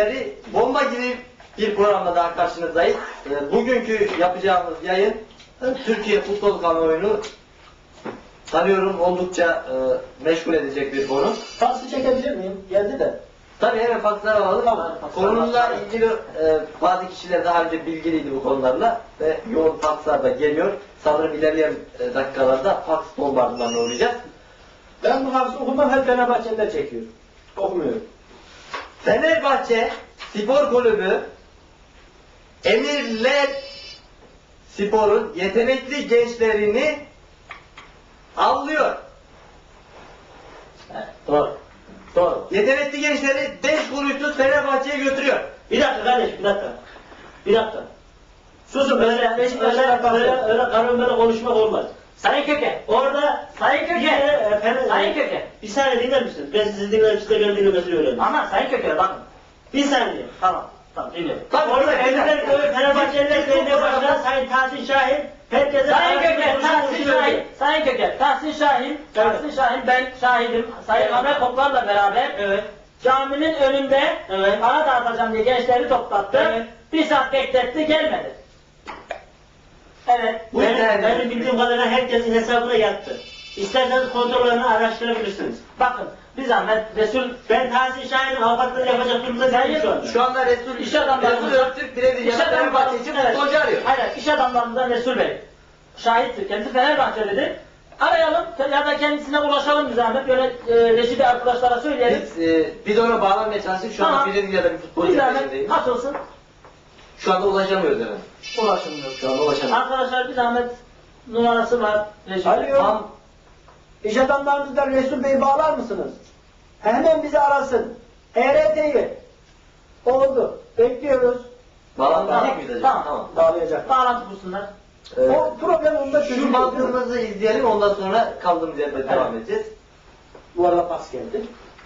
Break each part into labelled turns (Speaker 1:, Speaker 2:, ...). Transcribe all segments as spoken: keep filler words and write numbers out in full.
Speaker 1: izleyicileri, bomba gibi bir programda daha karşınızdayız. E, bugünkü yapacağımız yayın Türkiye futbol kamuoyunu sanıyorum oldukça e, meşgul edecek bir konu.
Speaker 2: Faksı çekebilir miyim? Geldi de.
Speaker 1: Tabii hemen fakslar alalım.
Speaker 2: Tamam,
Speaker 1: Konumuzla ilgili e, bazı kişiler daha önce bilgiliydi bu konularla ve yoğun fakslar da geliyor. Sanırım ilerleyen e, dakikalarda faks bombardımanına uğrayacağız.
Speaker 2: Ben bu faksı okumam, hep Fenerbahçeliler çekiyor. Okumuyorum.
Speaker 1: Fenerbahçe Spor Kulübü Emirler Spor'un yetenekli gençlerini avlıyor.
Speaker 2: He, doğru. Doğru.
Speaker 1: Yetenekli gençleri beş kuruşsuz Fenerbahçe'ye götürüyor.
Speaker 2: Bir dakika kardeş, bir dakika. Bir dakika. Susun, böyle, öyle, öyle, öyle, öyle karın böyle konuşmak olmaz.
Speaker 3: Sayın Köke,
Speaker 2: Orada
Speaker 3: Sayın Köke,
Speaker 2: e, Fener-
Speaker 3: Sayın Köke.
Speaker 2: Bir saniye dinler misiniz? Ben sizi dinlerim, siz de beni dinlemesini öğrenin.
Speaker 3: Ama Sayın Köke bakın.
Speaker 2: Bir saniye.
Speaker 3: Tamam, tamam dinliyorum.
Speaker 1: Tabii,
Speaker 2: Orada
Speaker 1: tabii,
Speaker 2: Emirler
Speaker 1: tabii.
Speaker 2: Köyü Fenerbahçeliler Belediye Başkanı Sayın Tahsin Şahin, herkese
Speaker 3: Sayın Köke,
Speaker 2: konuşma
Speaker 3: Tahsin
Speaker 2: konuşma
Speaker 3: Şahin,
Speaker 2: öğreniyor.
Speaker 3: Sayın Köke, Tahsin Şahin, Tahsin Şahin ben şahidim. Sayın
Speaker 2: Evet.
Speaker 3: Ahmet Koklar'la beraber
Speaker 2: Evet.
Speaker 3: caminin önünde
Speaker 2: Evet.
Speaker 3: para dağıtacağım diye gençleri toplattı.
Speaker 2: Evet.
Speaker 3: Bir saat bekletti, gelmedi. Evet.
Speaker 1: Bu
Speaker 2: Benim,
Speaker 1: yüzden-
Speaker 2: benim bildiğim kadarıyla herkesin hesabına yattı. İsterseniz kontrollerini araştırabilirsiniz.
Speaker 3: Bakın, bir zahmet Resul
Speaker 2: Ben Tahsin Şahin'in avukatlığını yapacak durumda değilim şu anda.
Speaker 1: Şu anda Resul
Speaker 3: İş adamları-
Speaker 1: Resul Öztürk Brezilya'da Fenerbahçe için
Speaker 3: evet.
Speaker 1: futbolcu arıyor.
Speaker 3: Aynen, iş adamlarından Resul Bey. Şahittir. Kendisi Fenerbahçelidir. Arayalım ya da kendisine ulaşalım bir zahmet. Böyle e, Reşit'i arkadaşlara söyleyelim.
Speaker 1: Biz, e, biz ona bağlanmaya çalıştık. Şu anda
Speaker 3: Tamam.
Speaker 1: Brezilya'da bir
Speaker 3: Bir
Speaker 1: futbolcu
Speaker 3: zahmet
Speaker 1: peşindeyiz.
Speaker 3: atılsın.
Speaker 1: Şu anda ulaşamıyoruz efendim.
Speaker 3: Ulaşılmıyor.
Speaker 1: Şu anda ulaşamıyoruz.
Speaker 3: Arkadaşlar bir zahmet numarası var. Reşit'in.
Speaker 4: Alo.
Speaker 1: Tam
Speaker 4: İş adamlarınızdan Resul Bey'i bağlar mısınız? Hemen bizi arasın. E R T'yi. Oldu. Bekliyoruz.
Speaker 1: bağlanmayacak mıyız acaba?
Speaker 3: Tamam.
Speaker 1: Tamam.
Speaker 4: Bağlayacak.
Speaker 3: Bağlantı kursunlar.
Speaker 1: Ee,
Speaker 4: O problem onda
Speaker 1: şu
Speaker 4: çözülüyor.
Speaker 1: mantığımızı izleyelim, ondan sonra kaldığımız yerde devam edeceğiz.
Speaker 4: Bu arada pas geldi.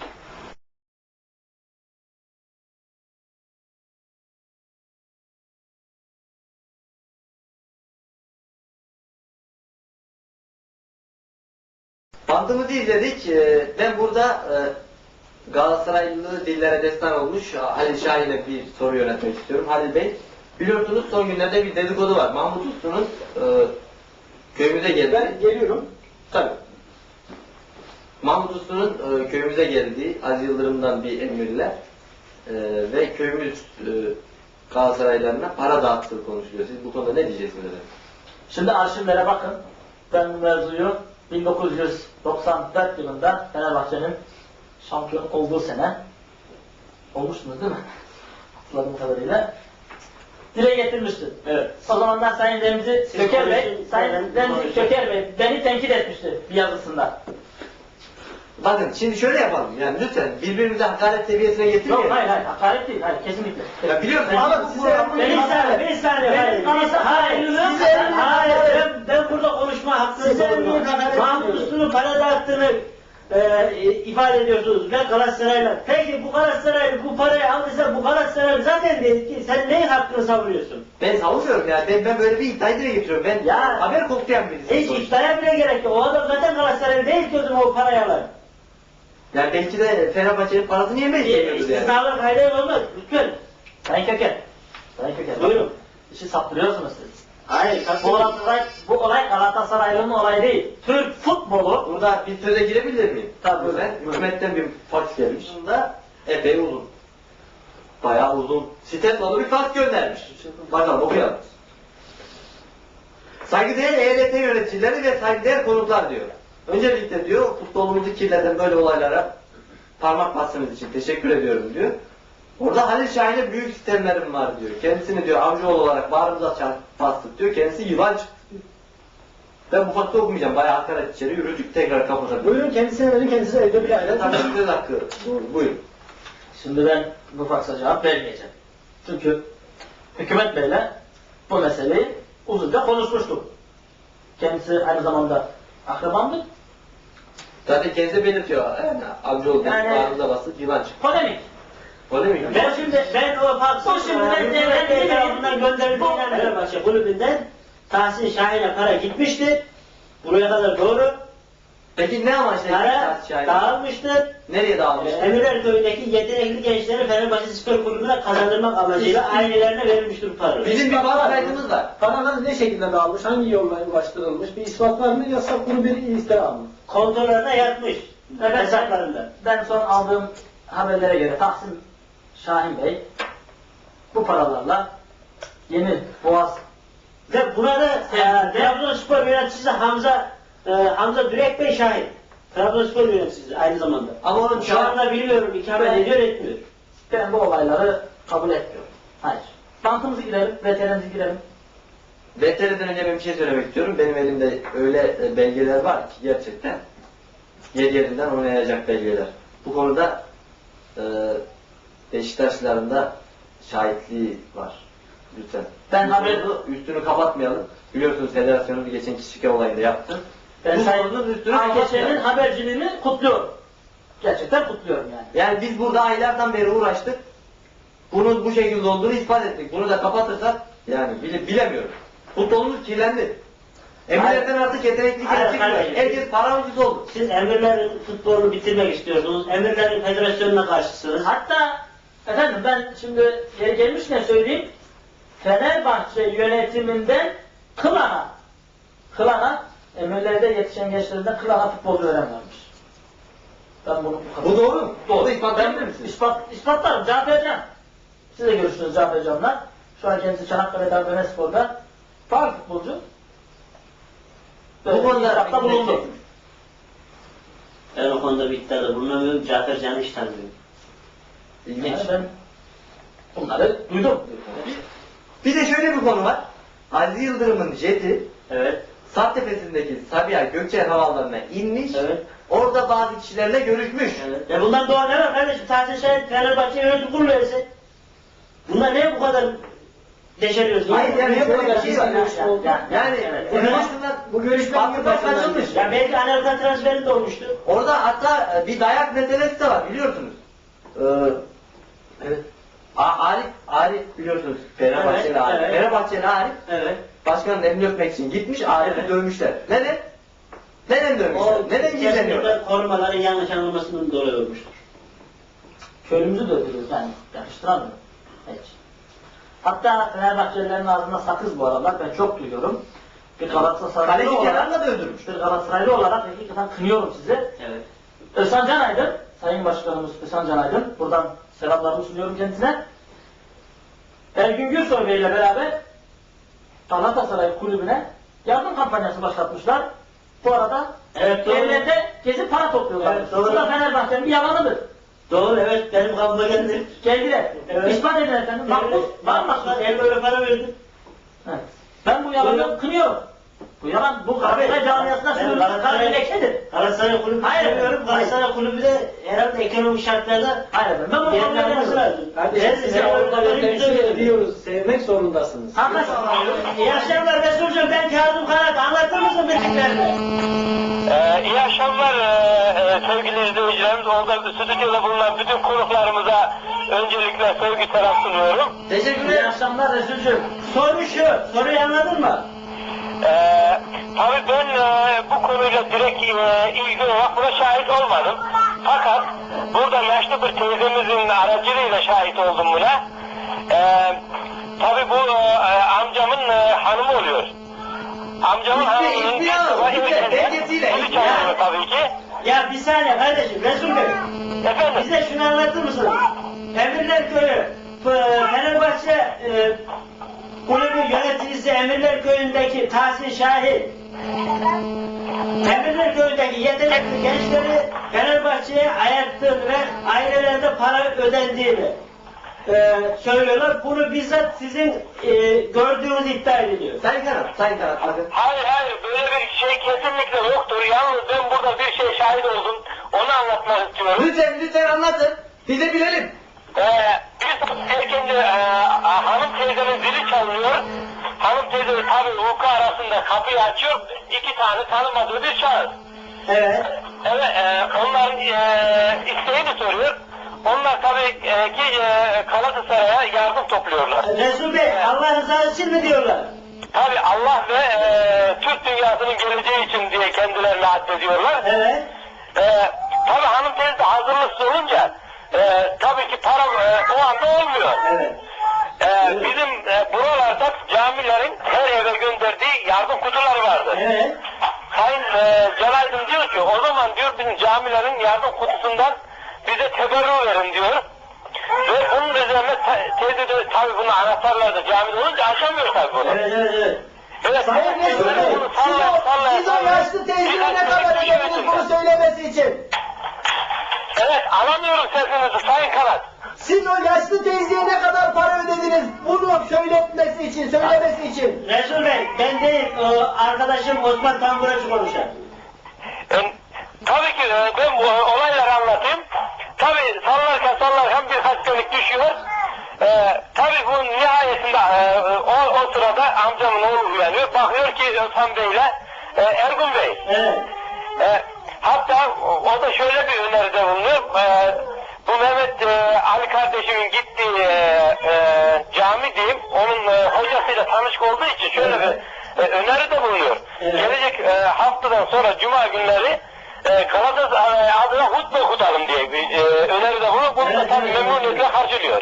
Speaker 1: Mantığımızı izledik. Ee, Ben burada e, Galatasaraylı dillere destan olmuş Halil Şahin'e bir soru yöneltmek istiyorum. Halil Bey, biliyorsunuz son günlerde bir dedikodu var. Mahmut Uslu'nun e, köyümüze geldi.
Speaker 4: Ben geliyorum.
Speaker 1: Tabii. Mahmut Uslu'nun e, köyümüze geldiği, Aziz Yıldırım'dan bir emirler e, ve köyümüz e, Galatasaraylarına para dağıttığı konuşuluyor. Siz bu konuda ne diyeceksiniz efendim?
Speaker 3: Şimdi arşivlere bakın. Ben bu mevzuyu bin dokuz yüz doksan dört yılında Fenerbahçe'nin şampiyon olduğu sene olmuştunuz değil mi? Hatırladığım kadarıyla. Dile getirmiştim.
Speaker 2: Evet.
Speaker 3: O zamanlar Sayın Remzi
Speaker 2: Siz
Speaker 3: Köker Bey,
Speaker 2: konuşun,
Speaker 3: Sayın
Speaker 2: ben
Speaker 3: Remzi
Speaker 2: konuşayım.
Speaker 3: Köker Bey beni tenkit etmişti bir yazısında.
Speaker 1: Bakın şimdi şöyle yapalım, yani lütfen birbirimize hakaret seviyesine getirmeyelim.
Speaker 3: Yok hayır hayır hakaret değil, hayır kesinlikle.
Speaker 1: Ya biliyorsun
Speaker 3: Ben-
Speaker 1: ama
Speaker 3: bu
Speaker 1: size
Speaker 3: program-
Speaker 2: Bir saniye, bir saniye.
Speaker 3: Benim
Speaker 2: Hayır,
Speaker 3: kanıtım-
Speaker 2: hayır,
Speaker 3: hayır,
Speaker 2: size,
Speaker 3: hayır,
Speaker 2: hayır,
Speaker 3: hayır.
Speaker 2: ben, ben burada konuşma hakkınız
Speaker 4: Size
Speaker 2: olur mu?
Speaker 4: emniyet hakaret
Speaker 2: Mahmut
Speaker 4: ediyorum.
Speaker 2: Uslu'nun para dağıttığını e, ifade ediyorsunuz ve Galatasaray'la. Peki bu Galatasaray bu parayı aldıysa bu Galatasaray zaten değil ki. Sen neyin hakkını savunuyorsun?
Speaker 1: ben savunmuyorum yani, ben, ben böyle bir iddiayı dile getiriyorum. Ben
Speaker 2: Ya.
Speaker 1: haber koklayan birisiyim.
Speaker 2: Hiç
Speaker 1: sonuçta.
Speaker 2: iddiaya bile gerek yok. O adam zaten Galatasaray değil ki o zaman o parayı alır.
Speaker 1: Yani belki de Fenerbahçe'nin parasını yemeyi seviyoruz yani.
Speaker 2: İstisnalar kayda olmaz. Lütfen.
Speaker 3: Sayın Köker, Sayın Köker.
Speaker 2: Buyurun.
Speaker 3: İşi saptırıyorsunuz siz.
Speaker 2: Hayır.
Speaker 3: Bu olay, bu olay Galatasaraylı'nın olayı değil. Türk futbolu
Speaker 1: Burada bir söze girebilir miyim?
Speaker 3: Tabii.
Speaker 1: Ben hükümetten bir fax gelmiş. Bunda epey uzun. Bayağı uzun. Sitet dolu bir fax göndermiş. Bakalım okuyalım. Saygıdeğer E R T yöneticileri ve saygıdeğer konuklar diyor. Öncelikle diyor, futbolumuzu kirleten böyle olaylara parmak bastığınız için teşekkür ediyorum diyor. Orada Halil Şahin'e büyük sistemlerim var diyor. Kendisini diyor amcaoğlu olarak bağrımıza çarp- bastık diyor. Kendisi yılan çıktı diyor. Ben bu faktı okumayacağım. Bayağı hakaret içeri yürüdük, tekrar kapatabilirim.
Speaker 4: Buyurun kendisine verin, kendisi evde bir aile.
Speaker 1: Tabii söz hakkı. Doğru, buyurun.
Speaker 3: Şimdi ben bu faksa cevap vermeyeceğim. Çünkü hükümet beyle bu meseleyi uzunca konuşmuştuk. Kendisi aynı zamanda akrabamdır.
Speaker 1: Zaten kendisi belirtiyor. Yani amcaoğlu
Speaker 3: Yani-
Speaker 1: yani, bağrımıza bastık, yılan çıktı.
Speaker 3: Polemik.
Speaker 1: O değil mi?
Speaker 2: Ben şimdi ben o faksı
Speaker 3: Bu şimdi ben-
Speaker 2: hükümet
Speaker 3: ben-
Speaker 2: Bey tarafından gönderildiğinden
Speaker 3: Bu-
Speaker 2: Fenerbahçe kulübünden Tahsin Şahin'e para gitmişti. Buraya kadar doğru.
Speaker 1: Peki ne amaçla
Speaker 2: Para
Speaker 1: tahsis şahidi?
Speaker 2: dağılmıştır.
Speaker 1: Nereye dağılmıştır?
Speaker 2: Emirler Köyü'ndeki yetenekli gençleri Fenerbahçe Spor Kulübü'ne kazandırmak amacıyla ailelerine verilmiştir para.
Speaker 1: Bizim bir bank kaydımız var.
Speaker 4: Paralar ne şekilde dağılmış, hangi yolla ulaştırılmış, bir ispat var mı, yoksa bunu bir iftira mı?
Speaker 2: Kontolarına yatmış.
Speaker 3: Evet,
Speaker 2: Hesaplarında.
Speaker 3: Ben son aldığım haberlere göre Tahsin Şahin Bey bu paralarla Yeni Boğaz
Speaker 2: Ve buna da e, Trabzonspor yöneticisi Hamza e, Hamza Dürek Bey şahit. Trabzonspor yöneticisi aynı zamanda.
Speaker 1: Ama onun
Speaker 2: Şu anda bilmiyorum ikamet
Speaker 3: Ben-
Speaker 2: ediyor etmiyor.
Speaker 3: ben bu olayları kabul etmiyorum. Hayır. Bantımızı girelim, veterimizi girelim.
Speaker 1: V T R'den önce ben bir şey söylemek istiyorum. Benim elimde öyle e, belgeler var ki gerçekten yer yerinden oynayacak belgeler. Bu konuda e, Beşiktaşlıların da şahitliği var. Lütfen.
Speaker 3: Ben
Speaker 1: Bu
Speaker 3: haber-
Speaker 1: konuda üstünü kapatmayalım. Biliyorsunuz federasyonu bir geçen kişike olayında yaptı.
Speaker 3: Ben
Speaker 1: Bu
Speaker 3: Sayın
Speaker 1: konunun üstünü
Speaker 3: Aykeşe'nin
Speaker 1: kapatmayalım.
Speaker 3: haberciliğini kutluyorum. Gerçekten kutluyorum yani.
Speaker 1: Yani biz burada aylardan beri uğraştık. Bunun bu şekilde olduğunu ispat ettik. Bunu da kapatırsak yani bile, bilemiyorum. Futbolumuz kirlendi. Emirlerden artık yetenekli
Speaker 2: Hayır,
Speaker 1: genç çıkmıyor.
Speaker 2: hayır.
Speaker 1: Herkes para ucuz oldu.
Speaker 2: Siz emirlerin futbolunu bitirmek istiyorsunuz. Emirlerin federasyonuna karşısınız.
Speaker 3: Hatta efendim ben şimdi yeri gelmişken söyleyeyim. Fenerbahçe yönetiminden Kılana, Kılana, emirlerde yetişen gençlerinden Kılana futbolcu öğrenmemiş. Ben bunu
Speaker 1: Bu doğru mu?
Speaker 3: Doğru.
Speaker 1: Bunu ispatlayabilir
Speaker 3: Ben
Speaker 1: misiniz?
Speaker 3: ispat, ispatlarım. Cafer Can. Siz de görüştünüz Cafer Can'la. Şu an kendisi Çanakkale Demirspor'da faal futbolcu.
Speaker 1: Bu konuda
Speaker 3: ispatla bulundu.
Speaker 2: Ben o konuda bir iddiada bulunamıyorum. Cafer Can'ı hiç tanımıyorum.
Speaker 1: İlginç.
Speaker 3: Yani ben bunları duydum.
Speaker 1: Bir de şöyle bir konu var. Aziz Yıldırım'ın jeti
Speaker 2: Evet.
Speaker 1: Sarptepesi'ndeki Sabiha Gökçen havalarına inmiş.
Speaker 2: Evet.
Speaker 1: Orada bazı kişilerle görüşmüş.
Speaker 2: Evet. E bundan doğan ne var kardeşim? Tahsin Şahin Fenerbahçe yönetim kurulu üyesi. Bunlar neye bu kadar deşeriyorsun?
Speaker 1: Hayır yani
Speaker 4: Niye bu
Speaker 1: şöyle bir
Speaker 4: kadar
Speaker 1: şey var.
Speaker 4: gizli görüşme oldu?
Speaker 1: Yani
Speaker 3: Evet.
Speaker 1: bu
Speaker 2: Evet.
Speaker 1: görüşmeler
Speaker 4: Bu görüşme
Speaker 1: farklıdan
Speaker 4: niye başından
Speaker 1: kaçılmış.
Speaker 2: Ya belki Anelka transferi de olmuştu.
Speaker 1: Orada hatta bir dayak meselesi de var biliyorsunuz. Ee, evet. A- Arif, Arif biliyorsunuz Fenerbahçeli
Speaker 2: Evet,
Speaker 1: Arif.
Speaker 2: evet.
Speaker 1: Fenerbahçeli Arif
Speaker 2: Evet.
Speaker 1: başkanın elini öpmek için gitmiş Arif'i
Speaker 2: Evet.
Speaker 1: dövmüşler. Neden? Neden dövmüşler?
Speaker 2: O
Speaker 1: Neden gizleniyorlar?
Speaker 2: kesinlikle korumaların yanlış anlamasının dolayı olmuştur.
Speaker 3: Köylümüzü de öldürüyoruz yani. Yakıştıramıyorum. Hiç. Hatta Fenerbahçelilerin ağzına sakız bu aralar. Ben çok duyuyorum. Bir Galatasaraylı
Speaker 1: Kaleci
Speaker 3: olarak,
Speaker 1: Kenan'la da öldürmüş.
Speaker 3: bir Galatasaraylı olarak hakikaten kınıyorum sizi.
Speaker 2: Evet.
Speaker 3: Özcan Can Aydın, Sayın Başkanımız Özcan Can Aydın, buradan selamlarımı sunuyorum kendisine. Ergün Gürsoy Bey ile beraber Galatasaray Kulübü'ne yardım kampanyası başlatmışlar. Bu arada
Speaker 2: Evet, doğru.
Speaker 3: evlerde gezip para topluyorlar.
Speaker 2: Evet, doğru.
Speaker 3: Bu da Fenerbahçe'nin bir yalanıdır.
Speaker 2: Doğru, evet, benim kabıma geldi.
Speaker 3: Geldiler.
Speaker 2: Evet.
Speaker 3: İspat edin efendim. Bak bu var mı?
Speaker 2: El böyle para verdim.
Speaker 3: Evet. Ben bu yalanı
Speaker 2: Buyurun.
Speaker 3: kınıyorum. Bu yalan, bu Galatasaray camiasına
Speaker 2: Ben
Speaker 3: sürülmüş
Speaker 2: Galatasaray-
Speaker 3: bir lekedir.
Speaker 2: Galatasaray Kulübü
Speaker 3: Hayır,
Speaker 2: seviyorum.
Speaker 3: hayır.
Speaker 2: Galatasaray Kulübü de herhalde ekonomik şartlarda
Speaker 3: Hayır efendim. Ben bunu kabul
Speaker 2: yerine alması
Speaker 3: edemiyorum.
Speaker 2: lazım.
Speaker 4: Kardeşim
Speaker 2: Ben
Speaker 4: size
Speaker 2: size
Speaker 4: orada
Speaker 2: orada
Speaker 4: temsil ediyoruz. Sevmek zorundasınız.
Speaker 3: Arkadaşlar,
Speaker 2: İyi akşamlar Resulcuğum, ben Kazım Kanat. Anlatır mısın bildiklerini?
Speaker 5: Ee, iyi akşamlar e, e, sevgili izleyicilerimiz. Orada stüdyoda bulunan bütün konuklarımıza öncelikle sevgi selam sunuyorum.
Speaker 1: Teşekkür
Speaker 3: iyi
Speaker 1: ederim.
Speaker 3: akşamlar Resulcüğüm.
Speaker 2: Soru şu, soruyu anladın mı?
Speaker 5: Ee, tabii ben e, bu konuyla direkt e, ilgili olarak buna şahit olmadım. Fakat burada yaşlı bir teyzemizin aracılığıyla şahit oldum buna. Ee, tabii bu e, amcamın e, hanımı oluyor. Amcamın
Speaker 1: İsmi-
Speaker 5: hanımının
Speaker 1: ismi yok,
Speaker 5: ilk
Speaker 1: ismi,
Speaker 5: defa
Speaker 1: belgesiyle,
Speaker 5: dili
Speaker 1: ismi
Speaker 5: çalınıyor
Speaker 1: yani.
Speaker 5: tabii ki.
Speaker 2: Ya bir saniye kardeşim, Resul Bey.
Speaker 5: Efendim?
Speaker 2: Bize şunu anlatır mısın? Emirler Köyü, F- Fenerbahçe e, kulübü yöneticisi Emirler Köyü'ndeki Tahsin Şahin, Emirler Köyü'ndeki yetenekli gençleri Fenerbahçe'ye ayarttığını ve ailelerinde para ödendiğini e, söylüyorlar. Bunu bizzat sizin e, gördüğünüz iddia ediliyor.
Speaker 1: Sayın Kanat, Sayın Kanat bakın.
Speaker 5: Hayır hayır böyle bir şey kesinlikle yoktur. Yalnız ben burada bir şey şahit oldum. Onu anlatmak istiyorum.
Speaker 1: Lütfen, lütfen anlatın. Biz de bilelim.
Speaker 5: Ee, biz erken e, hanım teyzenin zili çalınıyor. Hanım teyze tabii uyku arasında kapıyı açıyor. İki tane tanımadığı bir şahıs.
Speaker 2: Evet.
Speaker 5: Evet e, onların e, isteğini soruyor. Onlar tabii e, ki e, Galatasaray'a yardım topluyorlar.
Speaker 2: Resul Bey, Allah rızası için mi diyorlar?
Speaker 5: Tabii Allah ve e, Türk dünyasının geleceği için diye kendilerine addediyorlar.
Speaker 2: Evet.
Speaker 5: Ee, tabii hanım teyze de hazırlıksız olunca e, tabii ki para e, o anda olmuyor.
Speaker 2: Evet.
Speaker 5: Ee, bizim e, buralarda camilerin her eve gönderdiği yardım kutuları vardı.
Speaker 2: Evet.
Speaker 5: Sayın e, Celaydın diyor ki o zaman diyor bizim camilerin yardım kutusundan bize teberrü verin diyor. Ve bunun üzerine te- teyze de tabii bunu anahtarlarda camide olunca açamıyor tabii bunu.
Speaker 2: Evet, evet, evet.
Speaker 5: Evet,
Speaker 4: Sayın Resul Bey,
Speaker 5: bunu
Speaker 4: siz
Speaker 5: sallaya
Speaker 4: o,
Speaker 5: sallaya
Speaker 4: siz o
Speaker 5: sallaya-
Speaker 4: yaşlı teyzeye ne
Speaker 5: Birkaç
Speaker 4: kadar
Speaker 5: kişi
Speaker 4: ödediniz
Speaker 5: içinde.
Speaker 4: bunu söylemesi için?
Speaker 5: Evet, alamıyorum sesinizi Sayın Kanat.
Speaker 4: Siz o yaşlı teyzeye ne kadar para ödediniz bunu söyletmesi için, söylemesi için?
Speaker 2: Resul Bey, ben değil, o arkadaşım Osman Tamburacı konuşar.
Speaker 5: E, tabii ki e, ben bu olayları anlatayım. Tabii sallarken sallarken birkaç dönük düşüyor. E, tabii bu nihayetinde e, o, o sırada amcamın oğlu uyanıyor. Bakıyor ki Özhan Bey'le e, Ergun Bey.
Speaker 2: Evet.
Speaker 5: E, hatta o, o da şöyle bir öneride bulunuyor. E, bu Mehmet e, Ali kardeşimin gittiği e, e, cami diyeyim, onun e, hocasıyla tanışık olduğu için şöyle bir e, öneride bulunuyor.
Speaker 2: Evet.
Speaker 5: Gelecek e, haftadan sonra Cuma günleri e, Galatasaray adına hutbe okutalım diye bir e, öneride bulunuyor. Bunu da
Speaker 2: Evet,
Speaker 5: tabii
Speaker 2: evet,
Speaker 5: memnuniyetle karşılıyor.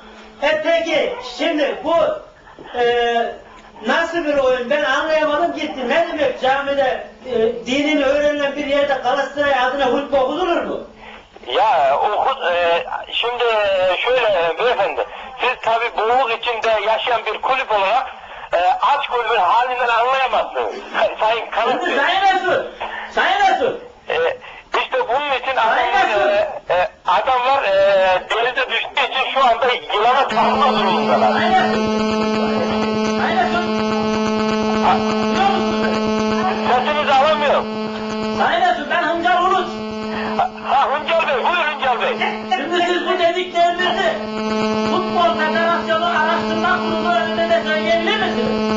Speaker 2: E peki, şimdi bu e, nasıl bir oyun? Ben anlayamadım gitti. Ne demek camide e, dinin öğrenilen bir yerde Galatasaray adına hutbe okunur mu?
Speaker 5: Ya o e, şimdi e, şöyle beyefendi, siz tabii boğuk içinde yaşayan bir kulüp olarak e, aç kulübün halinden anlayamazsınız. Sayın Kanat Bey.
Speaker 2: Sayın Resul! Sayın Resul!
Speaker 5: E, işte bunun için
Speaker 2: Sayın
Speaker 5: adamlar,
Speaker 2: Resul!
Speaker 5: e, e, adamlar e, denize düştüğü için şu anda yılana takma durumundalar.
Speaker 2: Sayın Resul! Sayın Resul!
Speaker 5: Ha,
Speaker 2: Duyuyor musunuz beni?
Speaker 5: sesinizi alamıyorum.
Speaker 2: Sayın Resul, ben Hıncal Uluç.
Speaker 5: Ha, ha Hıncal Bey, buyur Hıncal Bey.
Speaker 2: Şimdi siz bu dediklerinizi Futbol Federasyonu Araştırma Kurulu önünde söyleyebilir misiniz?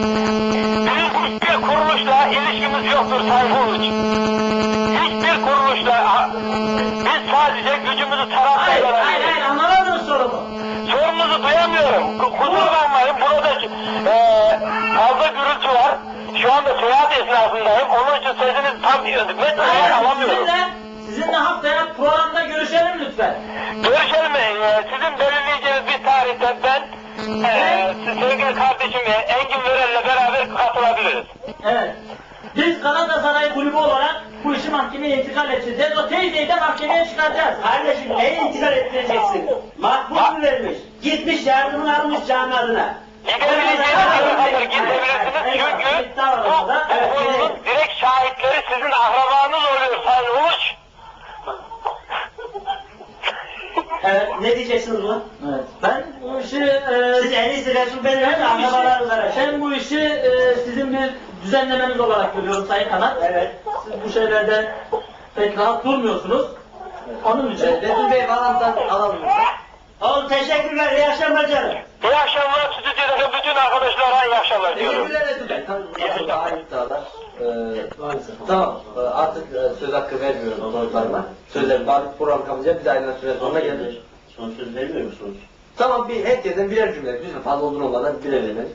Speaker 5: Bizim hiçbir kuruluşla ilişkimiz yoktur Sayın Uluç. Hiçbir kuruluşla, ha, biz sadece gücümüzü taraf
Speaker 2: Hayır, hayır, hayır,
Speaker 5: ediyoruz.
Speaker 2: anlamadınız sorumu.
Speaker 5: Sorunuzu duyamıyorum. Ku- Kusura bakmayın, burada e, fazla gürültü var. Şu anda seyahat esnasındayım. Onun için sesinizi tam net olarak
Speaker 2: Hayır,
Speaker 5: alamıyorum.
Speaker 2: sizinle, sizinle haftaya programda görüşelim lütfen.
Speaker 5: Görüşelim. E, sizin belirleyeceğiniz bir tarihte ben e, sevgili kardeşim e, Engin Vörel'le beraber katılabiliriz.
Speaker 2: Evet. Biz Galatasaray Kulübü olarak bu işi mahkemeye intikal edeceğiz. O teyzeyi de mahkemeye çıkaracağız. Kardeşim neye intikal ettireceksin? Makbul mu vermiş? Gitmiş yardımını almış cami adına.
Speaker 5: Gidebileceğiniz yere kadar gidebilirsiniz çünkü bu, bu konunun direkt şahitleri sizin akrabanız oluyor Sayın Uluç.
Speaker 2: Evet, ne diyeceksiniz buna?
Speaker 3: Evet. Ben bu işi e,
Speaker 2: Siz en iyisi Resul Bey'le
Speaker 3: ben bu
Speaker 2: akrabalarınız
Speaker 3: işi,
Speaker 2: araştırın.
Speaker 3: ben bu işi e, sizin bir düzenlemeniz olarak görüyorum Sayın Kanat.
Speaker 2: Evet.
Speaker 3: Siz bu şeylerde pek rahat durmuyorsunuz. Onun için
Speaker 1: Evet, Resul Bey bağlantıdan alalım.
Speaker 2: Oğlum teşekkürler, iyi akşamlar canım.
Speaker 5: İyi akşamlar stüdyodaki bütün arkadaşlara iyi akşamlar diyorum.
Speaker 1: Teşekkürler Resul Bey. Tabii bundan daha iyi iddialar. Ee, tamam, ee, artık e, söz hakkı vermiyorum konuklarıma. Sözler, bazı program kapatacağız, biz ayrılan süre sonuna geldik.
Speaker 2: Son söz vermiyor musunuz?
Speaker 1: Tamam, bir herkesten birer cümle, lütfen fazla uzun olmadan birer cümle.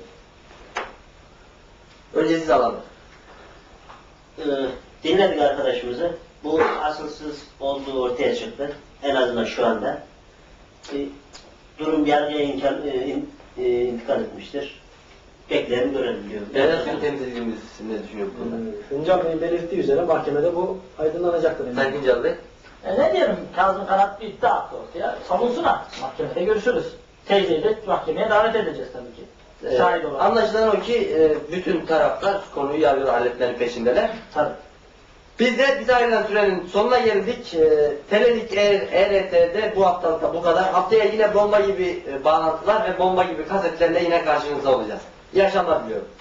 Speaker 1: Önce siz alalım.
Speaker 6: Ee, dinledik arkadaşımızı. Bu asılsız olduğu ortaya çıktı. En azından şu anda. Ee, durum yargıya inkar, e, in, e, intikal etmiştir. Bekleyelim görelim diyor.
Speaker 1: Federasyon temsilcimiz ne düşünüyor bu konuda?
Speaker 4: Hıncal Bey'in belirttiği üzere mahkemede bu aydınlanacaktır.
Speaker 1: Sayın Hıncal Bey.
Speaker 3: e, ne diyelim Kazım Kanat bir iddia attı ortaya. Savunsun artık. Mahkemede görüşürüz. Teyzeyi de mahkemeye davet edeceğiz tabii ki.
Speaker 1: Ee,
Speaker 3: Şahit olarak.
Speaker 1: anlaşılan o ki e, bütün taraflar konuyu yargıda halletmenin peşindeler.
Speaker 3: Tabii.
Speaker 1: Biz de bize ayrılan sürenin sonuna geldik. E, Telelik E R T'de bu haftalıkta bu kadar. Haftaya yine bomba gibi e, bağlantılar ve bomba gibi kasetlerle yine karşınızda olacağız. İyi akşamlar diliyorum.